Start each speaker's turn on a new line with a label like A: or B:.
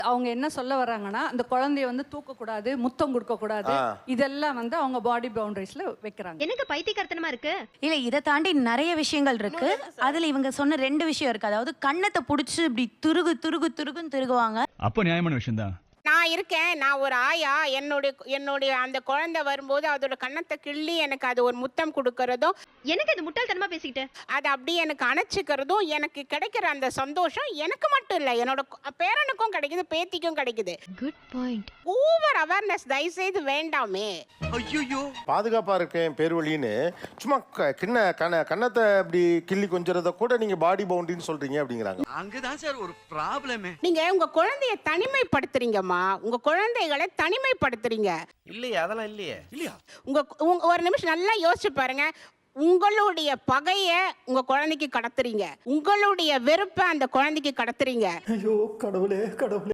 A: அவங்க என்ன சொல்ல வர்றாங்கன்னா, அந்த குழந்தைய வந்து தூக்கக்கூடாது, முத்தம் கொடுக்கக்கூடாது, இதெல்லாம் வந்து அவங்க பாடி பவுண்டரிஸ்ல வைக்கிறாங்க.
B: எனக்கு பைத்தியக்காரத்தனமா இருக்கு.
C: இல்ல இதை தாண்டி நிறைய விஷயங்கள் இருக்கு. அதுல இவங்க சொன்ன 2 விஷயம் இருக்கு. அதாவது கண்ணத்தை புடிச்சு இப்படி துருகுன்னு திருகுவாங்க.
D: அப்போ நியாயமான விஷயம் தான்.
E: நான் இருக்கேன், நான் ஒரு ஆயா, என்னுடைய அந்த குழந்தை வரும்போது அதோட கன்னத்தை கிள்ளி எனக்கு அது ஒரு முத்தம் கொடுக்கறதும்,
B: எனக்கு இது முட்டாள்தனமா பேசிக்கிட்டு.
E: அது அப்படியே எனக்கு அணைச்சிக்கிறதும், எனக்கு கிடைக்கிற அந்த சந்தோஷம் எனக்கு மட்டும் இல்லை, என்னோட பேரனுக்கும் கிடைக்குது, பேத்திக்கும் கிடைக்குது.
B: Good point.
E: ஓவர் அவேர்னஸ் தயவுசெய்து வேண்டாமே.
F: ஐயோ,
G: பாதுகாப்பா இருக்கேன் பேர்வழின்னு சும்மா கன்னத்தை இப்படி கிள்ளி கொஞ்சறத கூட நீங்க பாடி பவுண்டரின்னு சொல்றீங்க அப்படிங்கிறாங்க.
F: அங்கதான் சார் ஒரு ப்ராப்ளமே.
E: நீங்க உங்க குழந்தைய தனிமைப்படுத்துறீங்கம்மா, உங்க குழந்தைகளை தனிமைப்படுத்துறீங்க.
F: இல்லையே, அதெல்லாம் இல்லையே. இல்லையா?
E: உங்க ஒரு நிமிஷம் நல்லா யோசிச்சு பாருங்க. உங்களுடைய பகைய உங்க குழந்தைக்கு கடத்துறீங்க, உங்களுடைய வெறுப்பை அந்த குழந்தைக்கு கடத்துறீங்க.
H: ஐயோ கடவுளே கடவுளே.